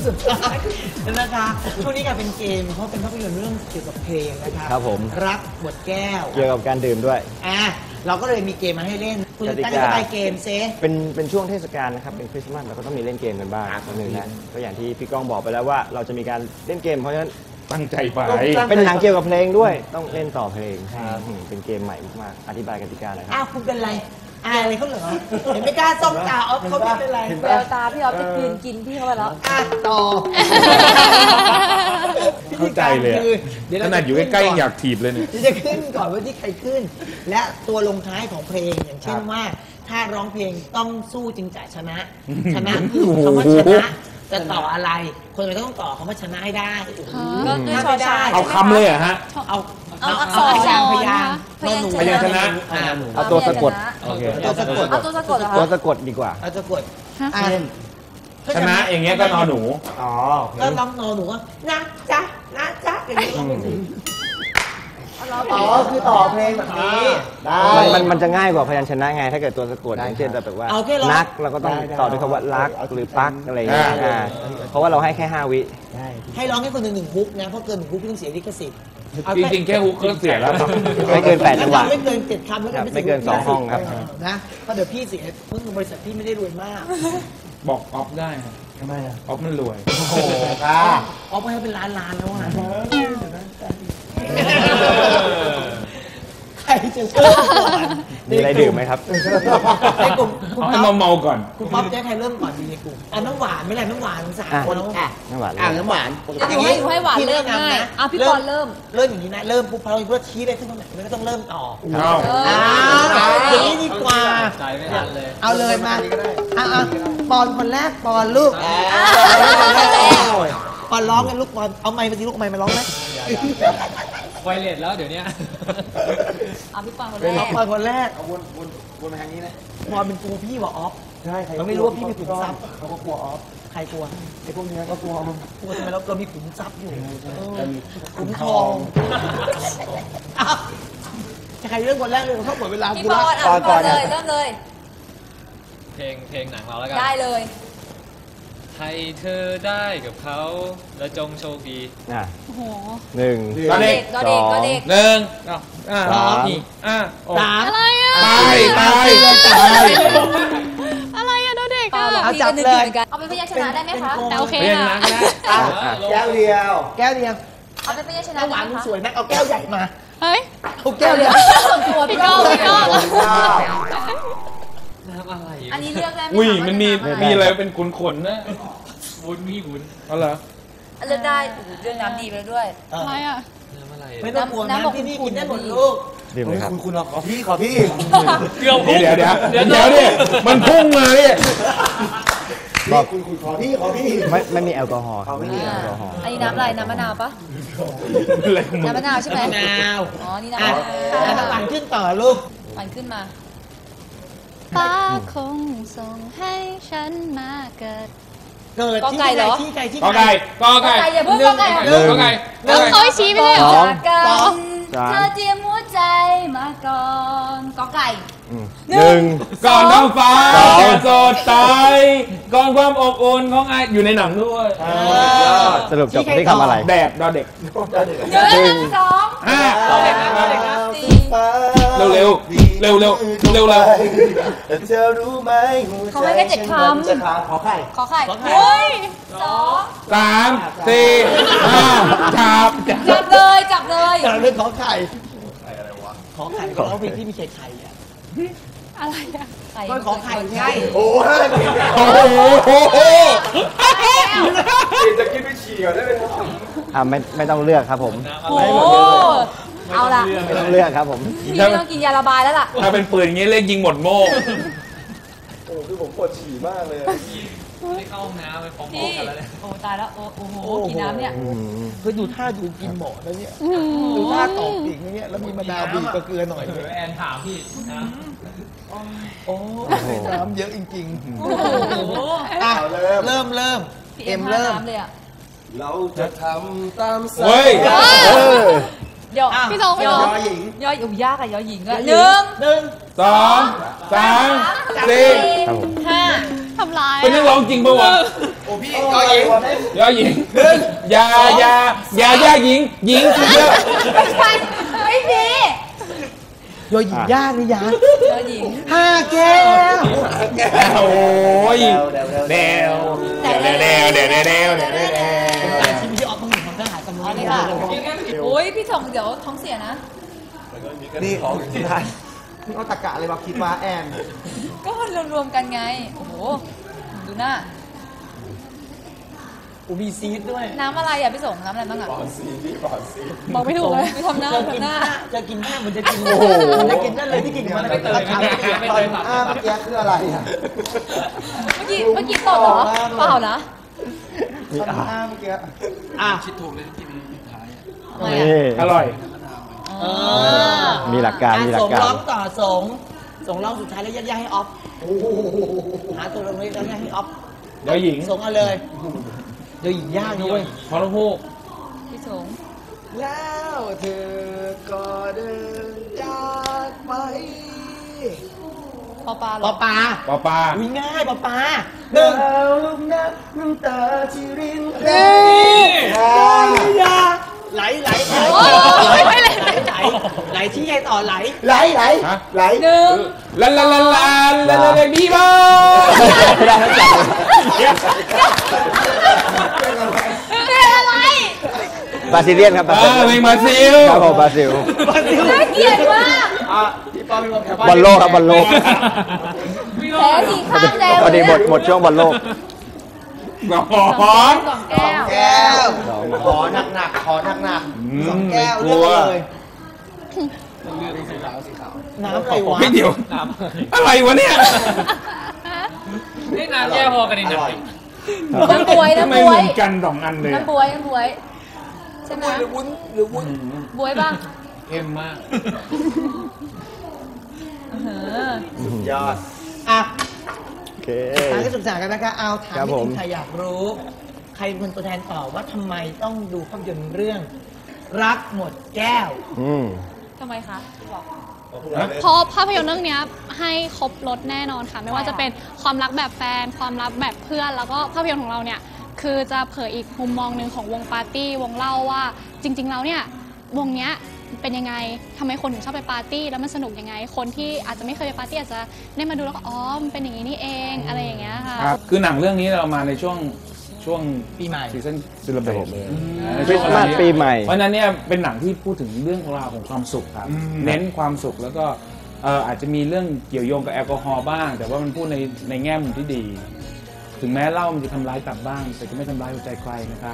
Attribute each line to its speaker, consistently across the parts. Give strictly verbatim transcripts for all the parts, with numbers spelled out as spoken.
Speaker 1: สุดท้ายนะคะช่วงนี้กลายเป็นเกมเพราะเป็นภาพยนตร์เรื่องเกี่ยวกับเพลงนะคะ
Speaker 2: ครับผม
Speaker 1: รักบทแก้ว
Speaker 2: เกี่ยวกับการดื่มด้วย
Speaker 1: อ่ะเราก็เลยมีเกมมาให้เล่นคุณตั้งใจไปเกมเซ
Speaker 2: เป็นเป็นช่วงเทศกาลนะครับเป็นคริสต์มาสเราก็ต้องมีเล่นเกมกันบ้างคนหนึ่งนะก็อย่างที่พี่ก้องบอกไปแล้วว่าเราจะมีการเล่นเกมเพราะฉะนั้น
Speaker 3: ตั้งใจไป
Speaker 2: เป็นหนังเกี่ยวกับเพลงด้วยต้องเล่นต่อเพลงเป็นเกมใหม่มากๆอธิบายกติกาหน่อยครับ
Speaker 1: อ้าวคุณเป็นไรอายอะไรเขาเหรอเห็นไม่กล้าส่องตาออฟเขาไม่เป็นไร
Speaker 4: แววตาพี่ออฟจะกินกินพี่เขาไปแล้ว
Speaker 1: อ่ะต่อ
Speaker 3: เข้าใจเลยขนาดอยู่ใกล้ๆยังอยากถีบเลยเนี่ย
Speaker 1: จะขึ้นก่อนว่าที่ใครขึ้นและตัวลงท้ายของเพลงอย่างเช่นว่าถ้าร้องเพลงต้องสู้จึงจะชนะชนะคือคำว่าชนะจะต่ออะไรคนเราต้องต่อคำว่าชนะให้ได้
Speaker 4: ก็ด้วยชอช้าง
Speaker 3: เอาคำเลยเหรอฮะ
Speaker 1: เอา
Speaker 4: เอาอักษร
Speaker 1: พยางพยาง
Speaker 3: พยางชนะ
Speaker 2: เอาตัวสะกดโอเค
Speaker 1: ตัวสะกด
Speaker 4: เอาตัวสะกดเหรอคะ
Speaker 2: ตัวสะกดดีกว่า
Speaker 1: เอาสะกด
Speaker 3: ชนะอย่างเงี้ยก็นอหนู
Speaker 2: อ๋อ
Speaker 1: ก็ร้องนอหนูว่านะจ๊ะนะจ๊ะอย่างนี้อ๋อคือต่อเพลงแบบนี้
Speaker 2: ได้มันมันจะง่ายกว่าพยัญชนะไงถ้าเกิดตัวสะกดอย่างเช่นแบบว่านักเราก็ต้องต่อด้วยคำว่ารักหรือปักอะไรอย่างเงี้ยเพราะว่าเราให้แค่ห้าวิ
Speaker 1: ให้ร้องให้คนหนึ่งหนึ่งฮุกนะเพราะเกินหนึ่งฮุกต้องเสียลิขสิทธิ์
Speaker 3: จริงๆแค่ฮุกก็เสียแล้ว
Speaker 2: ไม่เกินแปดจังหวะ
Speaker 1: ไม่เกินเจ็ดคำแล้ว
Speaker 2: ไม่เกินสองห้องครับ
Speaker 1: นะเพราะเดี๋ยวพี่เสียเพิ่งบริษัทพี่ไม่ได้รวยมาก
Speaker 3: บอกออฟได้
Speaker 1: ทำไมอ่ะ
Speaker 3: ออฟมันรวย
Speaker 1: โอ้โหค่ะออฟไปให้เป็นล้านล้านแล้วอ่ะใครจะเริ่มก่อน
Speaker 2: มีอะไรดื่มไหมครับ
Speaker 1: ในกลุ่มคุณ
Speaker 3: ป๊อปเมาก่อน
Speaker 1: คุณป๊อปจะใครเริ่มก่อนดีในกลุ่มเอาน้ำหวานไม่ไรน้ำหวานสามคน
Speaker 2: อ่ะน้ำหวาน
Speaker 1: อ่ะน้ำหวาน
Speaker 4: อยู่ให้อยู่ให้หวานเริ่มง่ายอ่ะพี่บอลเริ่ม
Speaker 1: เริ่มอย่างนี้นะเริ่มปุ๊บพอเราเพื่อชี้ได้ขึ้นตรงไหนไม่ต้องเริ่มต่อ
Speaker 3: เอา
Speaker 1: อย่างนี้ดีกว่าเอาเลยมาอ่ะปอนคนแรกปอนลูกปอนร้องกันลูกปอนเอาไมค์มาสิลูกไมค์มาร้องไหม
Speaker 5: ไวเลสแล้วเดี๋ยวนี้
Speaker 4: เอาพี่ปอนคนแรก
Speaker 1: ปอนคนแรก
Speaker 2: วนวนวนมาทางนี้นะ
Speaker 1: ปอนเป็นกลัวพี่ว่าออฟ
Speaker 2: ใช่
Speaker 1: เราไม่รู้ว่าพี่มีขุมทรัพย์
Speaker 2: เขาก็กลัวออฟ
Speaker 1: ใครกลัว
Speaker 2: ไอ้พวกนี้ก็กลัวมึง
Speaker 1: กลัวทำไมเราเรามีขุมทรัพย์อยู่ขุมทองจะใครเรื่องคนแรกเลยเขาหมดเวลา
Speaker 4: พี่ปอนอ่ะก่อนเลยเริ่มเลย
Speaker 5: เพลงเพลงหนังเราแล้วกัน
Speaker 4: ได้เลย
Speaker 5: ให้เธอได้กับเขาและจงโชคดี
Speaker 2: อ่ะหนึ่ง
Speaker 3: ก็เด็ก
Speaker 4: ก็เด็กก็เด็ก
Speaker 3: หนึ่งอ่า
Speaker 1: สอง
Speaker 3: อ่า
Speaker 1: สาม
Speaker 4: อะไรอ่ะ
Speaker 3: ตายตายตาย
Speaker 4: อะไรอ่ะโดเด็กอ่ะ
Speaker 1: เอาจับเลย
Speaker 4: เอาเป็นพยัญชนะได้ไหมคะ
Speaker 5: แต่โอเค
Speaker 3: นะ
Speaker 2: แก้วเดียว
Speaker 1: แก้วเดียว
Speaker 4: เอาเป็นพยัญชนะ
Speaker 1: หวานสวยนะเอาแก้วใหญ่มา
Speaker 4: เฮ้ย
Speaker 1: เอาแก้วเดียว
Speaker 4: ตัวพี่ก้องพี่ก้อง
Speaker 5: น้ำอะไร
Speaker 4: อันนี้เลือกได้ไหม
Speaker 3: อุ้ยมันมีมีอะไรเป็นขุนขนนะ
Speaker 5: วุ้นมีวุ้น
Speaker 3: เอาเหรอ
Speaker 4: เลือกได้เลือกน้ำดีไปด้วย
Speaker 5: อะไรอ่ะน้ำอะไร
Speaker 1: ไม่ต้องกลัวน้ำที่นี่กินได้หมดลูก
Speaker 2: ดีไหมครับ
Speaker 1: คุณคุณขอพี่ขอพี่
Speaker 3: เดี๋ยวเดี๋ยวเดี๋ยวเดี๋ยวเดี๋ยวเนี่ยมันพุ่งมาเนี่ย
Speaker 1: บอกคุณคุณขอพี่ขอพี่
Speaker 2: ไม่ไม่มีแอลกอฮอล์ไม่มีแอลกอฮอล์
Speaker 4: อันนี้น้ำอะไรน้ำมะนาวปะน้ำมะนาวใช่ไหม
Speaker 1: มะนาว
Speaker 4: อ๋อนี่น้ำมะนาว
Speaker 1: น้ำหวานขึ้นต่อลูก
Speaker 4: หวานขึ้นมาป้าคงส่งให้ฉันมาเกิด
Speaker 1: เกิดที่ไก่ที่ไก่ที่
Speaker 3: ไก่ก็ไก่
Speaker 4: ก็ไก่อย่าเพิ่งก็ไก่
Speaker 3: ก็ไก่
Speaker 4: แล้วเขาชี้ไปเลยสองสองเธอเตรียมหัวใจมาก่อนก็ไก่
Speaker 2: หนึ่ง
Speaker 3: ก่อนท้องฟ้าจะสดใสก่อนความอบอุ่นของไออยู่ในหนังด้วย
Speaker 2: สรุปจบที่คำอะไร
Speaker 3: แดดดอเด็ก
Speaker 4: หนึ่งสอง
Speaker 3: ห้า
Speaker 4: สี่
Speaker 3: เร็วเร็วเร็วเร็วเร็วเร็ว
Speaker 1: เธอรู้ไหม
Speaker 4: เขาไม่ได้เจ็ดค
Speaker 1: ำขอไข่
Speaker 4: ขอไข่เฮ้ยสอง
Speaker 3: สามสี่ห้าจับ
Speaker 4: จับเลยจับเลย
Speaker 1: จับเลยขอไข่อะไรวะขอไข่ขอเพลงที่มีไข่ไข่อะ
Speaker 4: อะไรอะไข่
Speaker 1: ก็ขอไข่ไง
Speaker 3: โอ้โหโอ้โหจะกินไปฉี่ก่อนได้ไหมครับ
Speaker 2: อ่าไม่ไม่ต้องเลือกครับผม
Speaker 4: โอ้เอาละ
Speaker 2: ไม่ต้องเลือกครับผม
Speaker 4: พี่ต้องกินยาระบายแล้วล่ะ
Speaker 3: ถ้าเป็นปืนอย่างนี้เล่นยิงหมดโม่
Speaker 1: โอ้คือผมปวดฉี่มากเลย
Speaker 5: ไม่เข้าห้องน้ำไปฟ้องกันแล้วเนี่ย
Speaker 4: โอ้ตายแล้วโอ้โอ้โหกินน้ำเนี่ย
Speaker 1: คือดูท่าดูกินหมอแล้วเนี่ยดูท่าตอกปีกเนี่ยแล้วมีมะนาวบีบกับเกลือหน่อยเลย
Speaker 5: แอนถามพี่นะ
Speaker 1: โอ้น้ำเยอะจริงๆอ่ะเริ่มเริ่มเอ็มเริ่ม
Speaker 3: เราจะทำตามสัญญา
Speaker 4: เดี๋ยวพี่น้องยอหญิงยอหญิงยากอะยอหญิงอะหนึ่ง
Speaker 1: หนึ่ง
Speaker 3: สองสามสี่
Speaker 4: ห้าทำลาย
Speaker 3: เป็นนักร้องจริงปะวะ
Speaker 1: โอ้พี่ยอหญิง
Speaker 3: ยอหญิงอย่าอย่าอย่าอย่าหญิงหญิงเยอะ
Speaker 4: ไม่ใช่ไม่ดี
Speaker 1: ยอหญิงยากหรือยัง
Speaker 4: ยอหญิง
Speaker 1: ห้าแก้ว
Speaker 3: โอ้ยเดวเดวเดวเดวเดวเดวเดวเดวเดว
Speaker 1: แต่ที่พี่ออฟต้องอยู่ทางทหารสำรวจเลยค่ะ
Speaker 4: โอ้ยพี่ถงเดี๋ยวท้องเสียนะ
Speaker 2: นี่ของที่ไทยนี่เอาตะกะอะไรมาคิดว่าแอน
Speaker 4: ก็มันรวมๆกันไง โอ้โห ดูหน้า
Speaker 1: อูมีซีดด้วย
Speaker 4: น้ำอะไรอ่ะพี่สงน้ำอะไรบ้างอ่ะ
Speaker 6: บอกไม่ถูกเลย
Speaker 4: ไม่ทำหน้า
Speaker 1: จะกิน
Speaker 4: ทำหน้า
Speaker 1: จะกินหน้ามันจะกินโอ้โหมันจะกินนั่นเลยที่กินมันไม่เตย
Speaker 5: ไม่เคยตัด
Speaker 2: อ้าเมื่อกี้คืออะไรอ่ะ
Speaker 4: เมื่อกี้เมื่อกี้ตอบเหรอ เปล่านะ
Speaker 2: มีอ้าเมื่อกี้
Speaker 1: อ่ะ
Speaker 5: คิดถูกเลยที่มีปิดท้าย
Speaker 4: ทำไมอ่ะ
Speaker 3: อร่อย
Speaker 4: อ๋อ
Speaker 2: มีหลักการมีหลักการ
Speaker 1: สงร้องต่อสงสงร้องสุดท้ายแล้วยัดยาให้ออฟหาตัวลงเลยแล้วยัดให้ออฟ
Speaker 3: ยอหญิง
Speaker 1: สงเอาเลยเดี๋ยวหญิงยากนะเว้ย
Speaker 3: พอลพูก
Speaker 4: พี่สง
Speaker 1: แล้วเธอก็เดินจากไป
Speaker 4: ปอปลาเหร
Speaker 1: ป
Speaker 4: อ
Speaker 1: อปลา
Speaker 3: ปอปลา
Speaker 1: อุ้ยง่ายปอปลาหนึ่ง
Speaker 2: ลูกน้ำน้ำตาที่ริน
Speaker 1: ยาไหลไหลไหล
Speaker 4: โอ้ยไม่เลย
Speaker 1: ไหลไหลไหลที่ไงต่อไหล
Speaker 2: ไหลไหล
Speaker 3: ฮะ
Speaker 2: ไหล
Speaker 4: หนึ่ง
Speaker 3: ลาลาลาลาลาลาลาบีบอ
Speaker 2: ได้ทั้งจับ
Speaker 4: เรียนอะไร
Speaker 2: บราซิเลียนครับบรา
Speaker 3: อ่า
Speaker 2: ซิ
Speaker 3: เพล
Speaker 2: เลีย
Speaker 3: ง
Speaker 2: น
Speaker 3: บราซิล
Speaker 2: ครับผมบราซิล
Speaker 4: น่าเกลียดมาก
Speaker 2: บอลโลกครับบอลโลก
Speaker 4: แพ้ทีข้างแดง
Speaker 2: พอดีหมดหมดช่วงบอลโลก
Speaker 3: กระห
Speaker 4: ส
Speaker 3: อ
Speaker 4: อง
Speaker 3: น
Speaker 4: สองแก้ว
Speaker 1: แก้ว
Speaker 2: ขอหนักหนักขอหนักหนัก
Speaker 1: สองแก้ว
Speaker 3: ก
Speaker 1: เลื
Speaker 3: ลั
Speaker 1: อก
Speaker 3: ว
Speaker 1: มาเลยน้ำอะไรวะ
Speaker 3: ไม่เดี๋ยว อะไรวะเนี่ย
Speaker 5: นี่น้ำแย่พอกันดีหน่อย
Speaker 4: น้ำบวย
Speaker 3: ทำไม
Speaker 4: น้ำบ
Speaker 3: เห
Speaker 4: ว
Speaker 3: มื
Speaker 4: ย
Speaker 3: อนกันสองอันเลย
Speaker 4: น้ำบวยน้ำบวยใช่ไหม
Speaker 1: หรือวุ้นหรือวุ้น
Speaker 4: บวยป่ะ
Speaker 5: เข้มมาก
Speaker 4: เออย
Speaker 2: อด
Speaker 1: อ่ะ
Speaker 2: โอเค
Speaker 1: ทางที่ศึกษากันนะคะเอาถาม
Speaker 2: ครับ
Speaker 1: นิด
Speaker 2: ผม
Speaker 1: นึงใครอยากรู้ ใครเป็นคนตัวแทนตอบว่าทำไมต้องดูภาพยนตร์เรื่อง รักหมดแก้ว
Speaker 2: อืม
Speaker 4: ทำไมคะบอก
Speaker 6: เพราะภาพยนตร์เรื่องเนี้ยให้ครบรถแน่นอนค่ะ ไม่ว่าจะเป็นความรักแบบแฟน ความรักแบบเพื่อน แล้วก็ภาพยนตร์ของเราเนี่ยคือจะเผยอีกมุมมองหนึ่งของวงปาร์ตี้วงเล่าว่าจริง ๆ แล้วเนี่ยวงเนี้ยเป็นยังไงทำไมคนถึงชอบไปปาร์ตี้แล้วมันสนุกยังไง คนที่อาจจะไม่เคยไปปาร์ตี้อาจจะได้มาดูแล้วก็อ๋อมันเป็นอย่างนี้นี่เองอะไรอย่างเงี้ยค่ะ
Speaker 3: ครับ คือหนังเรื่องนี้เรามาในช่วงช่วง
Speaker 1: ปีใหม่
Speaker 3: ซีซั่นซิลเบตเลย
Speaker 2: คริสต์มาสปีใหม่
Speaker 3: เพราะฉะนั้นเนี่ยเป็นหนังที่พูดถึงเรื่องราวของความสุขครับ เน้นความสุขแล้วก็เอ่ออาจจะมีเรื่องเกี่ยวโยงกับแอลกอฮอล์บ้าง แต่ว่ามันพูดในในแง่มุมที่ดี ถึงแม้เหล้ามันจะทำร้ายตับบ้าง แต่จะไม่ทำร้ายหัวใจใครนะครับ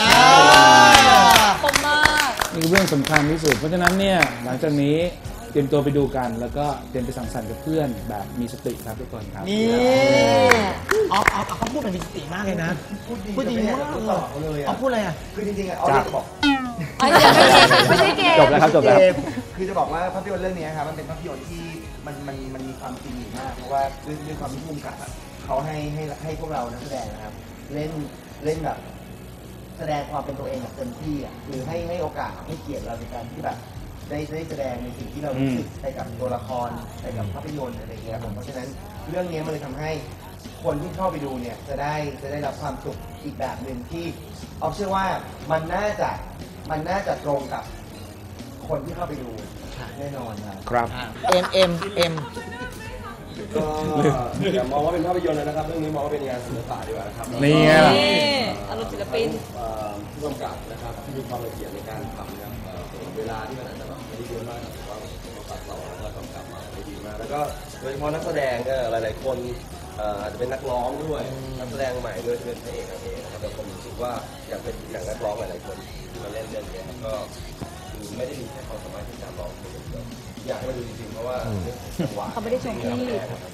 Speaker 4: คมมาก
Speaker 3: นี่คือเรื่องสำคัญที่สุด เพราะฉะนั้นเนี่ยหลังจากนี้เตรียมตัวไปดูกัน แล้วก็เตรียมไปสังสรรค์กับเพื่อนแบบมีสติครับทุกคนครับ
Speaker 1: นี่ออฟออฟเขาพูดแบบมีสติมากเลยนะ พูดดีมากเลยออฟพูดอะไรอ่ะ
Speaker 2: คือจริงๆอ่ะออเดบอก
Speaker 4: อ๋อเดี๋ยวไม่ใช่ไม่ใช่เกม
Speaker 2: จบแล้วครับจบแล้ว
Speaker 7: คือจะบอกว่าภาพยนตร์เรื่องนี้ครับมันเป็นภาพยนตร์ที่มันมันมันมีความจริงอยู่มากเพราะว่าด้วยด้วยความที่ภูมิกับอะเขาให้ให้ให้พวกเรานักแสดงนะครับ เล่นเล่นแบบแสดงความเป็นตัวเองแบบเต็มที่อ่ะคือให้ให้โอกาสให้เกียรติเราในการที่แบบได้ได้แสดงในสิ่งที่เรารู้สึกไปกับตัวละครไปกับภาพยนตร์อะไรอย่างเงี้ยผมเพราะฉะนั้นเรื่องนี้มันเลยทำให้คนที่เข้าไปดูเนี่ยจะได้จะได้รับความสุขอีกแบบหนึ่งที่ออฟเชื่อว่ามันน่าจะมันน่าจะตรงกับคนที่เข้าไปดูแน่นอนครับ
Speaker 2: ครับ
Speaker 1: เอ็มเอ็มเอ็ม
Speaker 8: ก็อย่ามองว่าเป็นภาพยนตร์เลยนะครับ เรื่องนี้มองว่าเป็นงานศิลปะดีกว่านะครับ
Speaker 3: นี่ไงล่ะ
Speaker 4: อารมณ์ศิลปิน
Speaker 8: เอ่อผู้กำกับนะครับที่มีความละเอียดในการทำนะครับเอ่อเวลาที่มันอาจจะแบบไม่ได้เยอะมากแต่ว่าเราตัดต่อแล้วก็กำกับมาได้ดีมากแล้วก็โดยเฉพาะนักแสดงก็หลายๆคนเอ่ออาจจะเป็นนักร้องด้วยนักแสดงใหม่ด้วยที่เป็นพระเอกนางเอกนะครับแต่ผมรู้สึกว่าอยากเป็นอย่างนักร้องหลายๆคนที่มาเล่นเรื่องนี้ครับก็คือไม่ได้มีแค่ความสามารถที่จะร้องเพลงอย่างเดียวอยากให้มาดูจริงๆเพราะว่าเรื่องจังหวะ
Speaker 4: เขาไม่ได้ชมที่
Speaker 8: มัน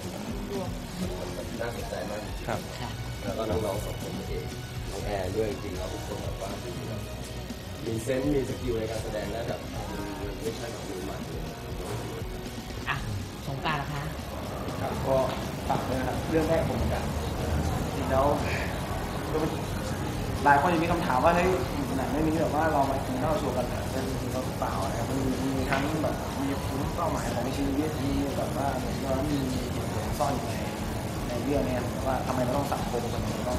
Speaker 8: น่าสนใจมาก
Speaker 3: ครับ
Speaker 8: แล้วก็น้องๆสองคนเองน้องแอร์ด้วยจริงๆแล้วทุกคนแบบว่ามีแบบมีเซนส์มีสกิลในการแสดงได้แบบมันไม่ใช่แบบมือใหม่เลย
Speaker 1: อ่ะสงกรานต์นะคะ
Speaker 7: ครับก็ฝากด้วยนะครับเรื่องแรกผมเหมือนกันจริงแล้วก็เป็นหลายคนยังมีคำถามว่าเฮ้ยหนังเรื่องนี้แบบว่าเรามากินเหล้าโชว์กันเหรอเป็นจริงเราหรือเปล่านะครับมันมีมีทั้งแบบมีเป้าหมายของชีวิตมีแบบว่าเหมือนว่ามีเหตุผลซ่อนอยู่ในในเรื่องนี้ว่าทำไมเราต้องสังคมกันเราต้องแบบ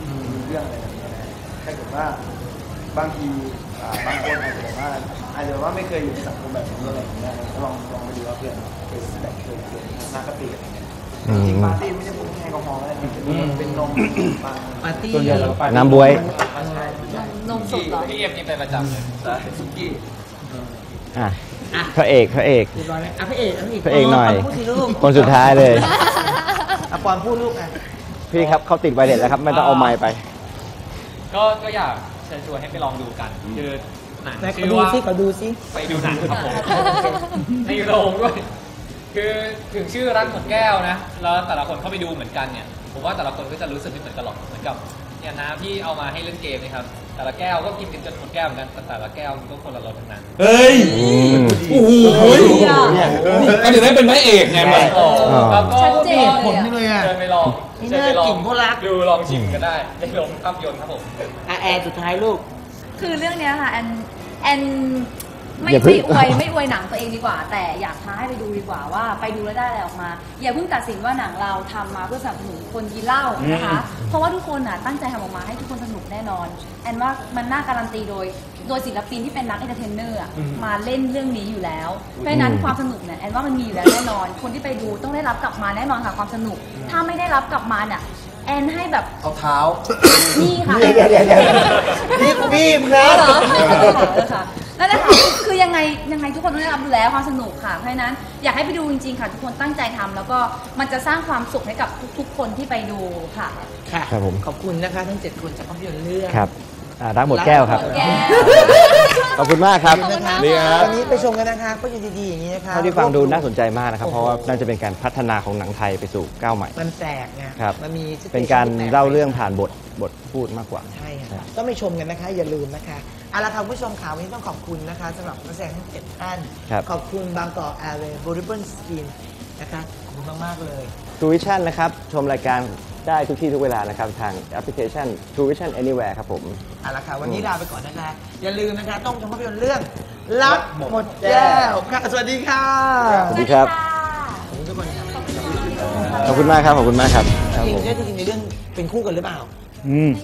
Speaker 7: เรื่องอะไรแบบนี้นะถ้าเกิดว่าบางทีอ่าบางคนอาจจะแบบว่าอาจจะว่าไม่เคยอยู่ในสังคมแบบนี้อะไรอย่างเงี้ยก็ลองลองมาดูว่าเพื่อนเป็นแบบเคยเกิดมากระปีอะไรเงี้ยจริงปาร์ตี้ไม่ใช่พวกแอลกอฮอล์อะไรนะเป็นนมปัง
Speaker 1: ปาร์ตี้
Speaker 3: ส่วนใหญ่เราไป
Speaker 2: น้ำบ๊วย
Speaker 4: นมสดเหรอ
Speaker 5: พี่เอฟนี่เป็นประจำเลย
Speaker 8: ใช่สุกี้
Speaker 2: อ่ะพระเอกพระเอก
Speaker 1: เรียบร้อยแล้วอ่ะพระเอกพระเอก
Speaker 2: พระเอกหน่อย
Speaker 1: พูดสิลูก
Speaker 2: คนสุดท้ายเลย
Speaker 1: อ่ะปอนพูดลูกอ่ะ
Speaker 2: พี่ครับเขาติดไวเลสแล้วครับไม่ต้องเอาไมค์ไป
Speaker 5: ก็ก็อยากเชิญชวนให้ไปลองดูกัน คือหนัง
Speaker 1: ไหนขอ
Speaker 5: ชื่อ
Speaker 1: ดู
Speaker 5: ว่า
Speaker 1: ซิขอดูซิ
Speaker 5: ไปดูหนังครับผม ในโรงด้วย คือถึงชื่อรักหมดแก้วนะ แล้วแต่ละคนเข้าไปดูเหมือนกันเนี่ย ผมว่าแต่ละคนก็จะรู้สึกไม่เหมือนกันหรอก เหมือนกับเนี่ยนะพี่เอามาให้เล่นเกมนะครับ แต่ละแก้วก็กินกันจนหมดแก้วเหมือนกันแต่แต่ละแก้วมันก็คนละรสทั้งนั้น
Speaker 3: เฮ้ย โอ้โหก็ถึงได้เป็นพระเอกไงมัน
Speaker 5: แล้วก็
Speaker 4: ชัดเจน
Speaker 1: ผลนี่เลยอ่ะ
Speaker 5: เชิญไปลอง
Speaker 1: นี่
Speaker 5: เชิญไปลอง
Speaker 1: น่ากินเพราะรัก
Speaker 5: ดูลองชิมกันได้ในโรงภาพยนตร์ครับผม
Speaker 1: อ่ะแอร์สุดท้ายลูก
Speaker 4: คือเรื่องเนี้ยค่ะแอนแอนไม่
Speaker 2: อย่าเพิ่
Speaker 4: ไม่
Speaker 2: ง
Speaker 4: อวยไม่อวยหนังตัวเองดีกว่า แต่อยากท้าให้ไปดูดีกว่าว่าไปดูแล้วได้อะไรออกมา อย่าเพิ่งตัดสินว่าหนังเราทำมาเพื่อสนับสนุนคนกินเหล้านะคะ เพราะว่าทุกคนน่ะตั้งใจทำออกมาให้ทุกคนสนุกแน่นอนแอนว่ามันน่าการันตีโดยโดยศิลปินที่เป็นนักเอนเตอร์เทนเนอร์อะมาเล่นเรื่องนี้อยู่แล้วเพราะฉะนั้นความสนุกเนี่ยแอนว่ามันมีอยู่แล้วแน่นอน คนที่ไปดูต้องได้รับกลับมาแน่นอนค่ะความสนุก ถ้าไม่ได้รับกลับมาเนี่ยแอนให้แบบ
Speaker 7: เอาเท้า
Speaker 4: นี่ค่ะ
Speaker 7: เดี๋ยวเดี๋ยวเดี๋ยวเดี๋ยวนี่บีมนะ
Speaker 4: เหรอค่ะนั่นแหละค่ะคือยังไงยังไงทุกคนต้องได้รับรู้แล้วความสนุกค่ะเพราะฉะนั้นอยากให้ไปดูจริงๆค่ะทุกคนตั้งใจทำแล้วก็มันจะสร้างความสุขให้กับทุกๆคนที่ไปดูค่ะ
Speaker 1: ค่ะ
Speaker 2: ครับผม
Speaker 1: ขอบคุณนะคะทั้งเจ็ดคนจากภาพยนตร์เรื่อง
Speaker 2: ครับอ่ารักหมดแก้วครับ
Speaker 4: หมดแก้ว
Speaker 2: ขอบคุณมากครับ
Speaker 1: ขอบคุณนะคะ
Speaker 3: ดีครับ
Speaker 1: วันนี้ไปชมกันนะคะภาพยนตร์ดีๆอย่างนี้นะคะ
Speaker 2: เท่าที่ฟังดูน่าสนใจมากนะครับ เพราะว่าน่าจะเป็นการพัฒนาของหนังไทยไปสู่ก้าวใหม่
Speaker 1: มันแปลกไง
Speaker 2: ครับ
Speaker 1: มันมี
Speaker 2: เป็นการเล่าเรื่องผ่านบทบทพูดมากกว่า
Speaker 1: ใช่ค่ะต้องไปชมกันนะคะ อย่าลืมนะคะเอาละค่ะคุณผู้ชมข่าววันนี้ต้องขอบคุณนะคะสำหรับนักแสดงทั้งเจ็ดท่าน
Speaker 2: ครับ
Speaker 1: ขอบคุณบางกอกแอร์เวย์บริเบิลสกินนะคะขอบคุณมากๆเลย
Speaker 2: True Vision นะครับ ชมรายการได้ทุกที่ทุกเวลานะครับ ทางแอปพลิเคชัน True Vision Anywhere ครับผม
Speaker 1: เอาละค่ะวันนี้ลาไปก่อนนะคะ อย่าลืมนะคะ ต้องชมภาพยนตร์เรื่องรักหมดแก้วค่ะสวัสดีค่ะ
Speaker 2: สวัสดีครับ
Speaker 1: ขอบคุณทุกคนครับ
Speaker 2: ขอบคุณมากครับ ขอบคุณมากครับครับ
Speaker 1: จริง
Speaker 2: ผม
Speaker 1: ๆใช่จริงๆในเรื่องเป็นคู่กันหรือเปล่า
Speaker 3: อืม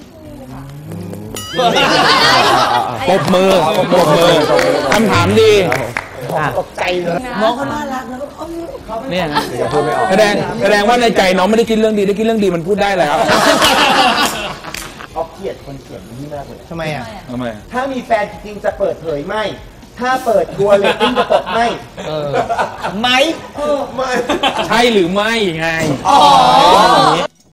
Speaker 3: ปรบมือปรบมือคำถามดี
Speaker 2: อ่ะ
Speaker 1: ใจเลยน้องเขาน่ารักนะเออ
Speaker 3: เนี่ย
Speaker 2: เดี๋ยวพูดไม่ออก
Speaker 3: แสดงแสดงว่าในใจน้องไม่ได้คิดเรื่องดีได้คิดเรื่องดีมันพูดได้แล้ว
Speaker 7: ออฟเกลียดคนเขียนนี่มากเลย
Speaker 1: ทำไมอ่ะ
Speaker 3: ทำไม
Speaker 7: ถ้ามีแฟนจริงๆจะเปิดเผยไหม ถ้าเปิดกลัวเลตติ้งจะตกไหม
Speaker 1: เออไหม
Speaker 7: เออไม่
Speaker 3: ใช่หรือไม่ไง
Speaker 1: อ๋อ